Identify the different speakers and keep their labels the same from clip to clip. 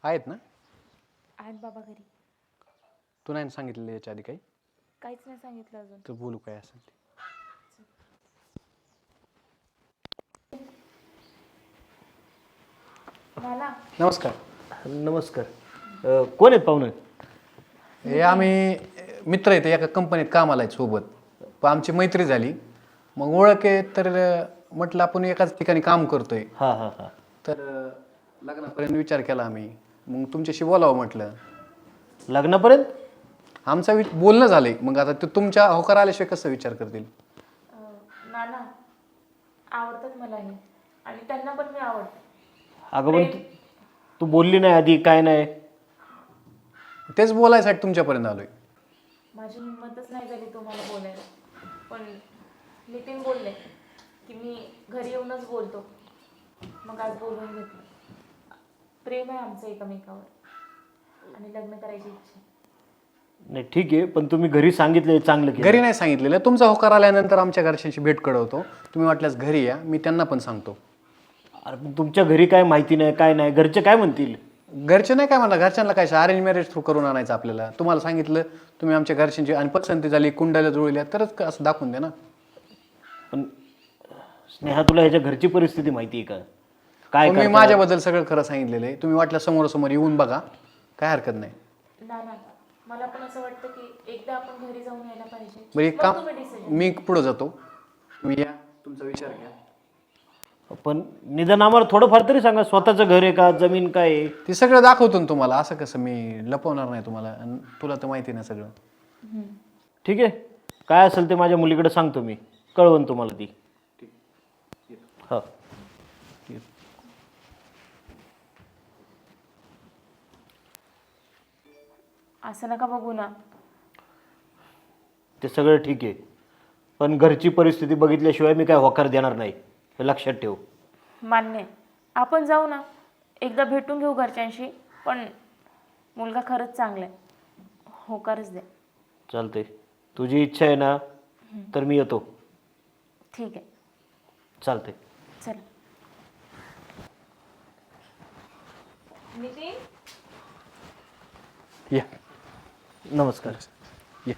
Speaker 1: आहेत ना?
Speaker 2: आहेत बाबा घरी.
Speaker 1: तू नाही सांगितलेलं याच्या आधी काही?
Speaker 2: काहीच नाही सांगितलं अजून.
Speaker 1: तर बोलू काय असेल ते.
Speaker 2: मला
Speaker 1: नमस्कार.
Speaker 3: नमस्कार. कोण आहेत पाहुणे?
Speaker 1: हे आम्ही मित्र आहेत, एका कंपनीत कामाला आहेत सोबत. पण आमची मैत्री झाली, मग ओळख आहे तर म्हटलं आपण एकाच ठिकाणी काम करतोय.
Speaker 3: हां हां हां.
Speaker 1: तर लग्नापर्यंत विचार केला आम्ही. मग तुमच्याशी बोलावं म्हटलं.
Speaker 3: लग्नापर्यंत?
Speaker 1: आमचा बोलणं झालंय. मग आता ते तुमच्या होकार आल्याशिवाय कसं विचार करतील?
Speaker 2: नाना आवडतात मला हे आणि त्यांना पण मी आवडते.
Speaker 3: अगं पण तू बोलली नाही आधी, काय नाही?
Speaker 1: तेच बोलायसाठी तुमच्यापर्यंत आलोय.
Speaker 2: माझी हिंमतच नाही झाली तुम्हाला बोलायला, पण नितीन बोलले की मी घरी येऊनच बोलतो. मग आज बोलून घेतलं. प्रेम आहे आमचं एकमेकावर आणि लग्न करायची इच्छा आहे.
Speaker 3: नाही ठीक आहे, पण तुम्ही घरी सांगितले चांगलं केलं.
Speaker 1: घरी नाही सांगितलेलं. तुमचा होकार आल्यानंतर आमच्या घरच्यांशी भेट कळवतो. तुम्ही वाटल्यास घरी या, मी त्यांना पण सांगतो.
Speaker 3: अरे पण तुमच्या घरी काय माहिती नाही, काय नाही, घरचे काय म्हणतील?
Speaker 1: घरचे नाही काय म्हणा, घरच्यांना काय अरेंज मॅरेज थ्रू करून आणायचं आपल्याला. तुम्हाला सांगितलं, तुम्ही आमच्या घरच्यांची आणि पसंती झाली, कुंडाला जुळल्या तरच असं दाखवून द्या ना.
Speaker 3: पण स्नेहा, तुला ह्याच्या घरची परिस्थिती माहिती आहे का? काय
Speaker 1: मी माझ्याबद्दल सगळं खरं सांगितलेलं आहे. तुम्ही वाटल्या समोरासमोर येऊन बघा, काय हरकत नाही.
Speaker 2: नाना मला पण असं वाटतं की एकदा आपण घरी जाऊन यायला पाहिजे.
Speaker 1: बरं एक
Speaker 2: मग
Speaker 1: काम,
Speaker 2: तुम्ही decision.
Speaker 1: मी पुढं जातो, तुम्ही या, तुमचा विचार घ्या.
Speaker 3: पण निदान आम्हाला थोडंफार तरी सांगा, स्वतःचं घर आहे का, जमीन काय आहे?
Speaker 1: ते सगळं दाखवतो ना तुम्हाला. असं कसं मी लपवणार नाही तुम्हाला, आणि तुला तर माहिती नाही सगळं.
Speaker 3: ठीक आहे, काय असेल ते माझ्या मुलीकडे सांगतो मी, कळवण तुम्हाला ती. हां.
Speaker 2: असं नका बघू ना.
Speaker 3: ते सगळं ठीक आहे, पण घरची परिस्थिती बघितल्याशिवाय मी काय होकार देणार नाही, हे लक्षात ठेव.
Speaker 2: मान्य आहे. आपण जाऊ ना, एकदा भेटून घेऊ घरच्यांशी. पण मुलगा खरंच चांगला आहे, होकारच द्या.
Speaker 3: चालते, तुझी इच्छा आहे ना, तर मी येतो.
Speaker 2: ठीक आहे,
Speaker 3: चालते.
Speaker 2: चला. नितीन
Speaker 1: या.
Speaker 3: नमस्कार.
Speaker 1: या.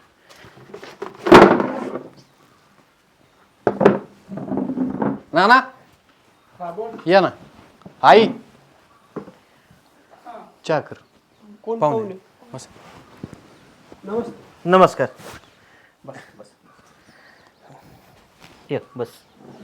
Speaker 1: नाना या ना. आई चहा कर.
Speaker 4: कोण
Speaker 1: पाहुणे
Speaker 4: पाहुणे?
Speaker 1: बस.
Speaker 4: नमस्ते.
Speaker 3: नमस्कार.
Speaker 4: बस बस.
Speaker 3: ये बस.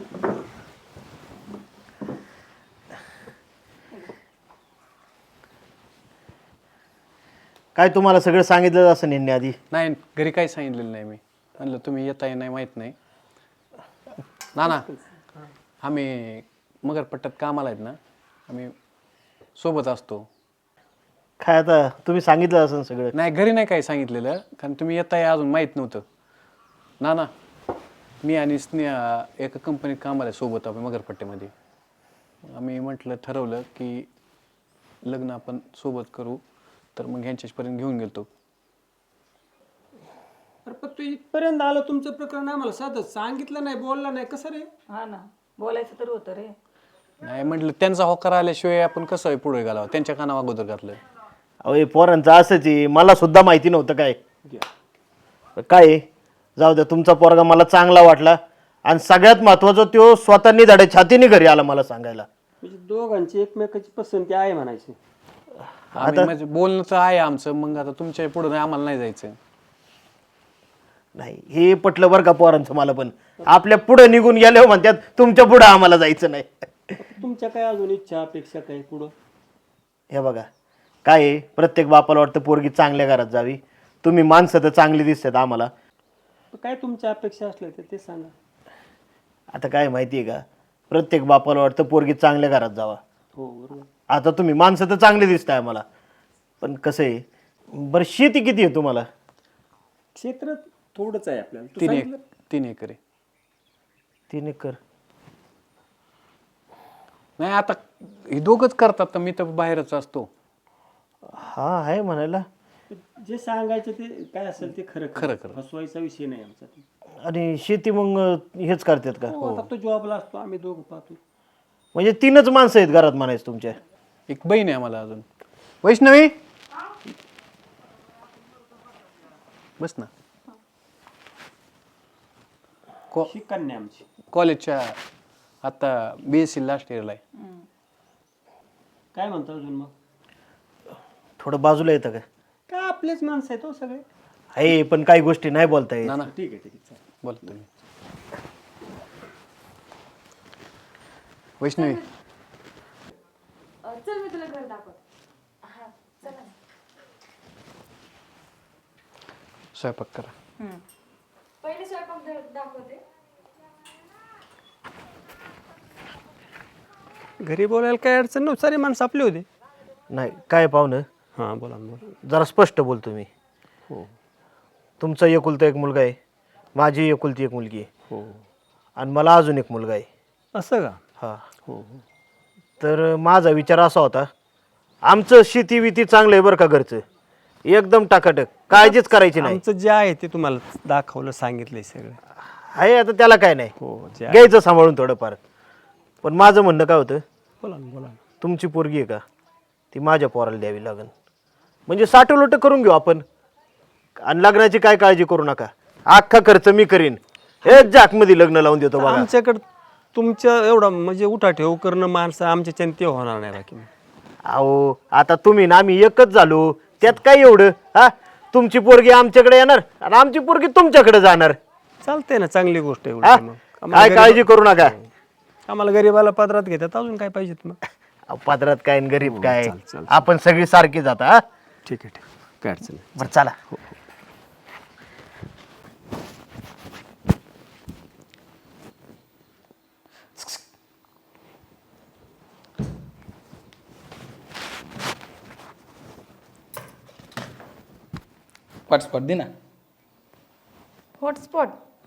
Speaker 3: काय तुम्हाला सगळं सांगितलं असं नेहमी आधी?
Speaker 1: नाही, घरी काही सांगितलेलं नाही. मी म्हणलं तुम्ही येताय नाही माहीत नाही. नाना आम्ही मगरपट्ट्यात कामाला आहेत ना, आम्ही सोबत असतो.
Speaker 3: काय आता तुम्ही सांगितलं असं सगळं?
Speaker 1: नाही, घरी नाही काही सांगितलेलं, कारण तुम्ही येताय अजून माहीत नव्हतं. नाना मी आणि स्नेहा एका कंपनीत कामाला आहे सोबत, आपण मगरपट्ट्यामध्ये. आम्ही म्हटलं, ठरवलं की लग्न आपण सोबत करू. तर मग ह्यांच्यापर्यंत घेऊन गेलो.
Speaker 4: अरे पण तू इथपर्यंत आलं, तुमचं प्रकरण आम्हाला साधं सांगितलं नाही, बोलला नाही, कसं रे?
Speaker 5: हा ना, बोलायचं तर होतं रे.
Speaker 1: नाही म्हटलं, त्यांचा होकार आल्याशिवाय आपण कसं पुढे घालावं, त्यांच्या काना अगोदर घातलं.
Speaker 3: अहो हे पोरांचं असंच आहे, मला सुद्धा माहिती नव्हतं काय काय आहे. जाऊ द्या, तुमचा पोरगा मला चांगला वाटला, आणि सगळ्यात महत्वाचं तो स्वतःनी धडे छातीने घरी आला मला सांगायला.
Speaker 4: म्हणजे दोघांची एकमेकाची पसंती आहे म्हणायची.
Speaker 1: आम्ही म्हणजे बोलणं तर आहे आमचं. मग आता तुमच्या पुढे नाही, आम्हाला नाही जायचं.
Speaker 3: नाही, हे पटलं बरं का पोरांचं मला. पण आपल्या पुढे निघून गेले म्हणतात, तुमच्या पुढे आम्हाला जायचं नाही.
Speaker 4: तुमच्या काय अजून इच्छा अपेक्षा काय पुढं?
Speaker 3: हे बघा काय आहे, प्रत्येक बापाला वाटतं पोरगी चांगल्या घरात जावी. तुम्ही माणसं तर चांगली दिसतात आम्हाला.
Speaker 4: काय तुमच्या अपेक्षा असल्या तर ते सांगा.
Speaker 3: आता काय माहिती आहे का, प्रत्येक बापाला वाटतं पोरगी चांगल्या घरात जावा.
Speaker 4: हो बरोबर.
Speaker 3: आता तुम्ही माणसं तर चांगली दिसताय आम्हाला, पण कसं आहे, बरं शेती किती आहे तुम्हाला?
Speaker 4: क्षेत्र थोडंच आहे आपल्याला. तू
Speaker 1: 3
Speaker 4: सांगितलं?
Speaker 1: 3 एकर आहे.
Speaker 3: 3 एकर?
Speaker 1: नाही, आता हे दोघंच करतात, तर मी तर बाहेरच असतो.
Speaker 3: हा आहे म्हणायला.
Speaker 4: जे सांगायचं ते काय असेल ते खरं
Speaker 1: खरं खरं.
Speaker 4: फसवायचा विषय नाही आमचा.
Speaker 3: आणि शेती मग हेच करतात का?
Speaker 4: हो, आता तो जॉबला असतो, आम्ही दोघं पाहतो.
Speaker 3: म्हणजे 3च माणसं आहेत घरात म्हणायचं तुमच्या?
Speaker 1: एक बहीण आहे आम्हाला अजून. वैष्णवी बस ना.
Speaker 4: ही कन्या आमची.
Speaker 1: कॉलेजच्या आता BSc लास्ट इयरला आहे.
Speaker 4: काय म्हणतो अजून मग?
Speaker 3: थोडं बाजूला येतं का?
Speaker 4: काय आपलेच माणसं आहेत हो सगळे.
Speaker 3: आहे पण काही गोष्टी नाही बोलता येत.
Speaker 1: ना ना
Speaker 4: ठीक आहे चल.
Speaker 1: बोला तुम्ही. वैष्णवी
Speaker 2: चल मी तुला घर दाखवते. हा चला ना.
Speaker 1: स्वयंपाक करा.
Speaker 2: पहिले स्वयंपाक दाखवते.
Speaker 4: घरी बोलायला काय अडचण नव्हती, सारी माणसं आपली होते.
Speaker 3: नाही काय पाहुणं,
Speaker 4: हां बोला ना बोला.
Speaker 3: जरा स्पष्ट बोलतो मी.
Speaker 4: हो
Speaker 3: तुमचा एकुलता एक मुलगा आहे, माझी एकुलती एक मुलगी आहे,
Speaker 4: हो.
Speaker 3: आणि मला अजून एक मुलगा आहे.
Speaker 4: असं का?
Speaker 3: हा.
Speaker 4: हो हो.
Speaker 3: तर माझा विचार असा होता, आमचं शेती विती चांगलं आहे बरं का, घरचं एकदम टाकाटक, काळजीच करायची नाही.
Speaker 4: आमचं जे आहे ते तुम्हाला दाखवलं, सांगितलंय सगळं.
Speaker 3: आहे आता त्याला काय नाही,
Speaker 4: हो जे आहे.
Speaker 3: घ्यायचं सांभाळून थोडंफार. पण माझं म्हणणं काय होतं,
Speaker 4: बोला ना बोला ना.
Speaker 3: तुमची पोरगी आहे का, ती माझ्या पोराला द्यावी लागेल. म्हणजे साठवलोट करून घेऊ आपण, आणि लग्नाची काय काळजी करू नका, अख्खा खर्च मी करीन. हे जाकमध्ये लग्न लावून देतो बघा.
Speaker 4: आमच्याकडं तुमच्या एवढा म्हणजे उठा ठेव करणं माणसं आमच्या चिंते होणार नाही बाकी.
Speaker 3: अहो आता तुम्ही ना आम्ही एकच झालो, त्यात काय एवढं. हा, तुमची पोरगी आमच्याकडे येणार आणि आमची पोरगी तुमच्याकडे जाणार.
Speaker 4: चालतंय ना, चांगली गोष्ट आहे
Speaker 3: हा?
Speaker 4: उलट मग.
Speaker 3: काय काळजी करू नका.
Speaker 4: आम्हाला गरीबाला पदरात घेतात, अजून काय पाहिजेत मग.
Speaker 3: अहो, पदरात काय आणि गरीब काय,
Speaker 4: चाल, चाल.
Speaker 3: आपण सगळी सारखी जाता. हा,
Speaker 4: ठीक आहे ठीक आहे, काय अडचण नाही.
Speaker 3: बरं चला.
Speaker 6: हॉटस्पॉट दे ना.
Speaker 2: हॉटस्पॉट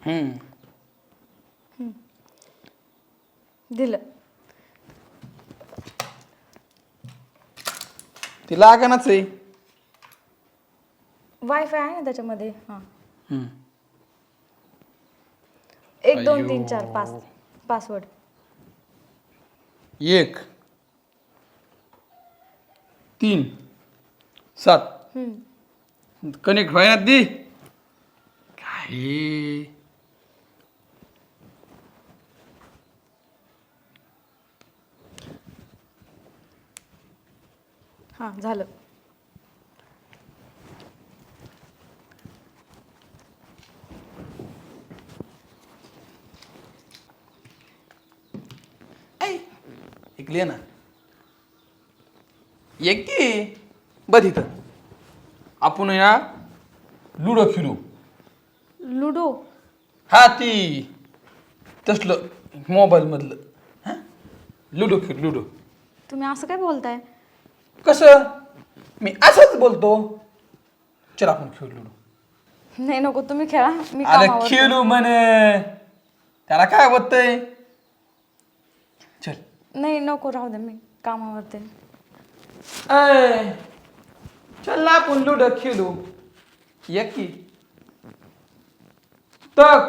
Speaker 2: दिलं.
Speaker 6: ती लागणाच आहे.
Speaker 2: वायफाय आहे ना त्याच्यामध्ये. हां
Speaker 6: हम्म.
Speaker 2: 1 2 3 4 5 पासवर्ड.
Speaker 6: 1 3 7 कनेक्ट व्हायना दी काय.
Speaker 2: हां झालं.
Speaker 6: ऐकली ना. एक की बघ इथं आपण या लुडो खेळू.
Speaker 2: लुडो.
Speaker 6: हा ती तसलं मोबाईल मधलं. हा लुडो खेळ लुडो.
Speaker 2: तुम्ही असं काय बोलताय?
Speaker 6: कसं मी असंच बोलतो. चल आपण खेळू लुडो.
Speaker 2: नाही नको, तुम्ही खेळा, मी
Speaker 6: अरे
Speaker 2: कामावर.
Speaker 6: खेळू म्हणे, त्याला काय होतंय. चल.
Speaker 2: नाही नको, राहू दे, मी कामावरते.
Speaker 6: ऐ चल ना आपण लुडो खेळू. एक की तक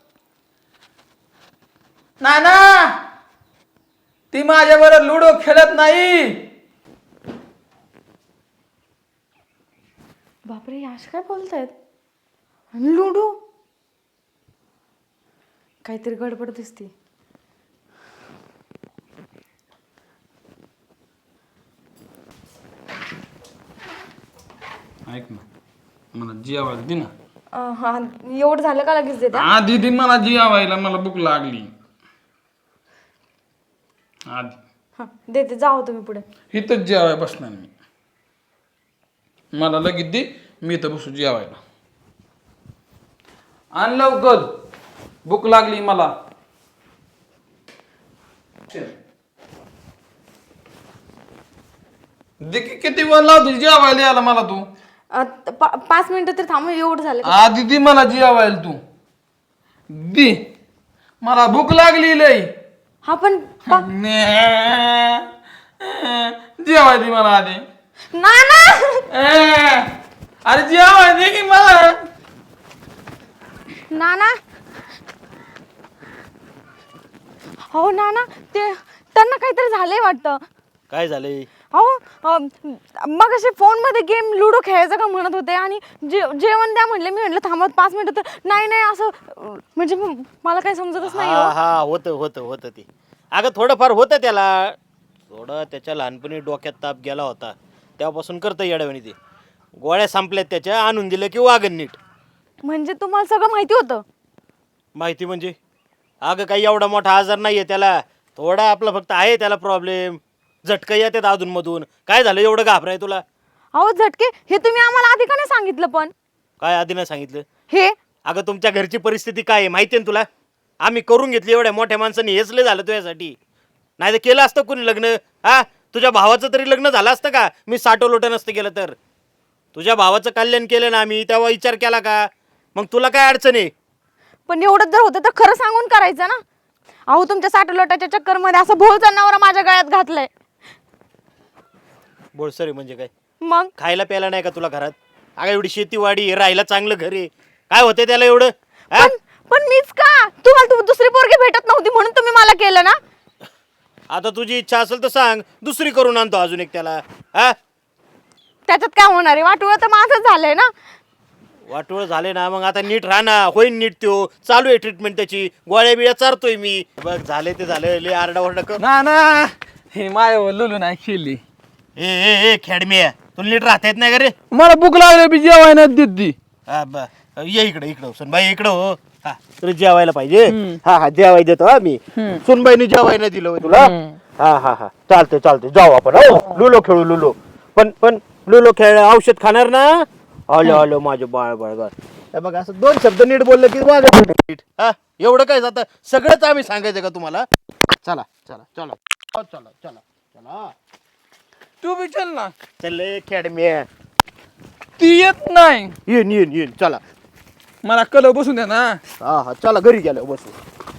Speaker 6: नाना ती माझ्या बरोबर लुडो खेळत नाही.
Speaker 2: बापरे, याश काय बोलतायत? आणि लुडो, काहीतरी गडबड दिसते.
Speaker 6: ऐक ना, मला जेवायला दे ना.
Speaker 2: हा, एवढं झालं का लगेच देते?
Speaker 6: आधी दे मला जेवायला, मला भूक लागली. आधी
Speaker 2: हा देते, जाओ तुम्ही पुढे.
Speaker 6: इथंच जेवाय बसणार मी. मला लगेच दे, मी इथं बसू जेवायला. आण लवकर, भूक लागली मला. दे की, किती वेळ लावतो जेवायला यायला मला तू.
Speaker 2: 5 मिनिटं तर थांबा, एवढं झालं का?
Speaker 6: आधी दे मला जेवायला तू. दे, मला भूक लागली लय.
Speaker 2: हा पण
Speaker 6: जेवाय दे मला आधी.
Speaker 2: नाना,
Speaker 6: अरे जेवाय दे की मला.
Speaker 2: नाना, हो नाना, ते त्यांना काहीतरी झालंय वाटतं.
Speaker 3: काय झालंय?
Speaker 7: अहो मग असे फोनमध्ये गेम लुडो खेळायचं का म्हणत होते आणि जेवण द्या म्हणले. मी म्हटलं थांबत 5 मिनिटं, तर नाही नाही असं म्हणजे मला काही समजतच नाही.
Speaker 3: हा हा होतं ते. अगं थोडंफार होतं त्याला, थोडं त्याच्या लहानपणी डोक्यात ताप गेला होता, तेव्हापासून करतं येड्यावानी ते. गोळ्या संपल्यात त्याच्या, आणून दिलं की वागण नीट.
Speaker 7: म्हणजे तुम्हाला सगळं माहिती होतं?
Speaker 3: माहिती म्हणजे अगं काही एवढा मोठा आजार नाहीये त्याला, थोडा आपला फक्त आहे त्याला प्रॉब्लेम, झटका येतात अधूनमधून. काय झालं एवढं घाबराय तुला?
Speaker 7: अहो झटके हे तुम्ही आम्हाला आधी का नाही सांगितलं? पण
Speaker 3: काय आधी नाही सांगितलं?
Speaker 7: हे
Speaker 3: अगं तुमच्या घरची परिस्थिती काय आहे माहिती आहे ना तुला. आम्ही करून घेतली एवढ्या मोठ्या माणसांनी, हेच लय झालं तुझ्यासाठी. नाही तर केलं असतं कोणी लग्न? हा तुझ्या भावाचं तरी लग्न झालं असतं का? मी साठवलोट नसतं केलं तर. तुझ्या भावाचं कल्याण केलं ना आम्ही, तेव्हा विचार केला का? मग तुला काय अडचण आहे?
Speaker 7: पण एवढंच जर होतं तर खरं सांगून करायचं ना. अहो तुमच्या साठलोटाच्या चक्करमध्ये असं भोळ जनावर माझ्या गळ्यात घातलंय.
Speaker 3: बोळसरे म्हणजे काय?
Speaker 7: मग
Speaker 3: खायला प्यायला नाही का तुला घरात? अगं एवढी शेतीवाडी, राहायला चांगलं घर आहे, काय होते त्याला एवढं? हा?
Speaker 7: पण मीच का? तुम्हाला दुसरी पोरगी भेटत नव्हती म्हणून तुम्ही मला केलं ना?
Speaker 3: आता तुझी इच्छा असेल तर सांग, दुसरी करून आणतो अजून एक त्याला. हा
Speaker 7: त्याच्यात काय होणार आहे? वाटोळं तर माझं झालंय ना.
Speaker 3: वाटोळ झाले ना, मग आता नीट राहा ना. होईन नीट, त्यो चालू आहे ट्रीटमेंट त्याची, गोळ्या बिळ्या चारतोय मी. बघ झाले ते झालं, लय आरडाओरडा कर.
Speaker 6: ना हे माय लुलू नाही खेळली.
Speaker 3: ए खेडमे, तुला नीट राहता येत नाही का रे?
Speaker 6: मला भूक लागली, बी जेवाय नाही देत ती.
Speaker 3: ये इकडं सुनबाई इकडं हो. हा तुला जेवायला पाहिजे? हा जेवाय देतो हा मी. सुनबाईने जेवाय नाही दिलं होय तुला? हा चालतंय जाऊ आपण. हो लुलो खेळू लुलो. पण लुलो खेळ, औषध खाणार ना? आलो माझं बाळ. बघ असं 2 शब्द नीट बोललं की वागत नीट. हा एवढं काय जातं? सगळंच आम्ही सांगायचं का तुम्हाला? चला
Speaker 6: तू बी चल ना.
Speaker 3: चल खेडमे,
Speaker 6: ती येत नाही.
Speaker 3: येईन चला.
Speaker 6: मला कल बसून द्या ना.
Speaker 3: हा चला घरी गेलो बसू.